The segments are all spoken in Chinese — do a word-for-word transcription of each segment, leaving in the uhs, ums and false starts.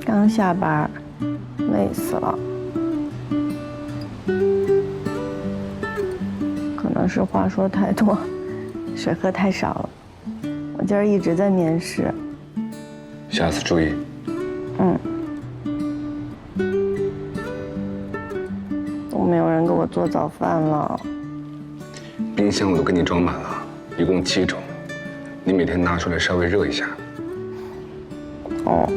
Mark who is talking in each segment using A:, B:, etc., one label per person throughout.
A: 刚下班，累死了。可能是话说太多，水喝太少了。我今儿一直在面试。
B: 下次注意。
A: 嗯。都没有人给我做早饭了。
B: 冰箱我都给你装满了，一共七种，你每天拿出来稍微热一下。
A: 哦。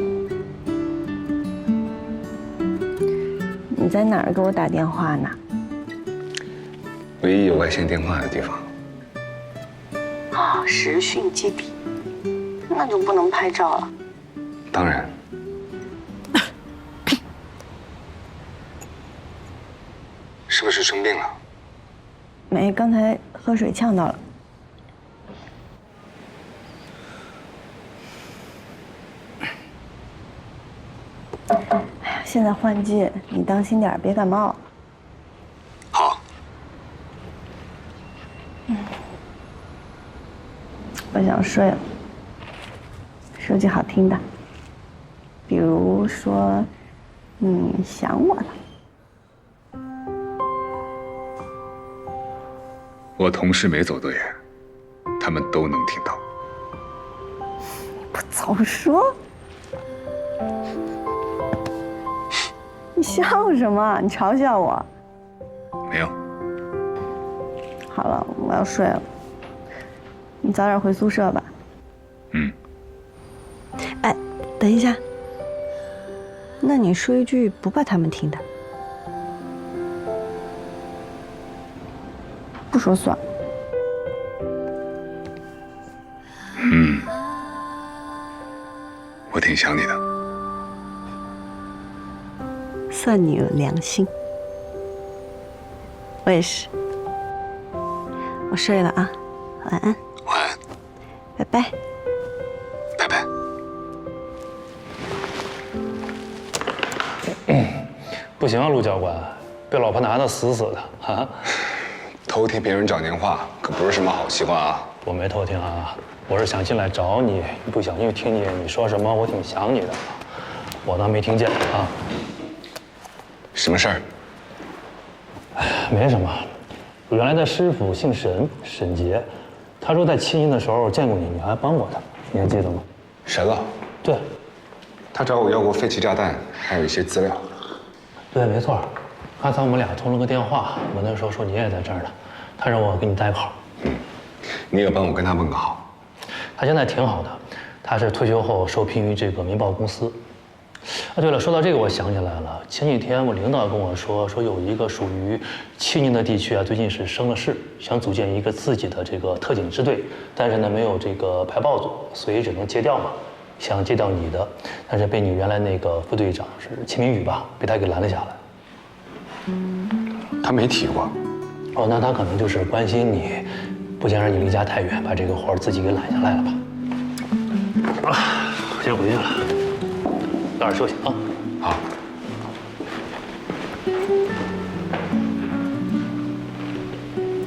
A: 你在哪儿给我打电话呢？
B: 唯一有外线电话的地方。
A: 哦，实训基地，那就不能拍照了。
B: 当然。是不是生病了？
A: 没，刚才喝水呛到了。哎呀，现在换季，你当心点，别感冒。
B: 好。
A: 嗯，我想睡了。说句好听的，比如说，你想我了。
B: 我同事没走多远，他们都能听到。
A: 你不早说！你笑什么？你嘲笑我？
B: 没有。
A: 好了，我要睡了。你早点回宿舍吧。
B: 嗯。
C: 哎，等一下。那你说一句不怕他们听的。
A: 不说算。
B: 嗯，我挺想你的。
C: 算你有良心。我也是。我睡了啊，晚安。
B: 晚安。
C: 拜拜。
B: 拜拜。
D: 嗯，不行啊，陆教官，被老婆拿得死死的啊！
B: 偷听别人讲电话可不是什么好习惯啊！
D: 我没偷听啊，我是想进来找你，不小心听见你说什么，我挺想你的，我当没听见啊。
B: 什么事儿？
D: 哎，没什么。我原来的师傅姓沈，沈杰，他说在七年的时候见过你，你还帮过他，你还记得吗？
B: 沈了。
D: 对。
B: 他找我要过废弃炸弹，还有一些资料。
D: 对，没错。刚才我们俩通了个电话，我那时候说你也在这儿呢，他让我给你代考。
B: 嗯，你也帮我跟他问个好。
D: 他现在挺好的，他是退休后受聘于这个民报公司。啊，对了，说到这个，我想起来了，前几天我领导跟我说，说有一个属于西宁的地区啊，最近是生了事，想组建一个自己的这个特警支队，但是呢没有这个排爆组，所以只能借调嘛。想借调你的，但是被你原来那个副队长是秦明宇吧，被他给拦了下来。
B: 他没提过。
D: 哦，那他可能就是关心你，不想让你离家太远，把这个活儿自己给揽下来了吧？啊，先回去了，早点休息啊。
B: 好。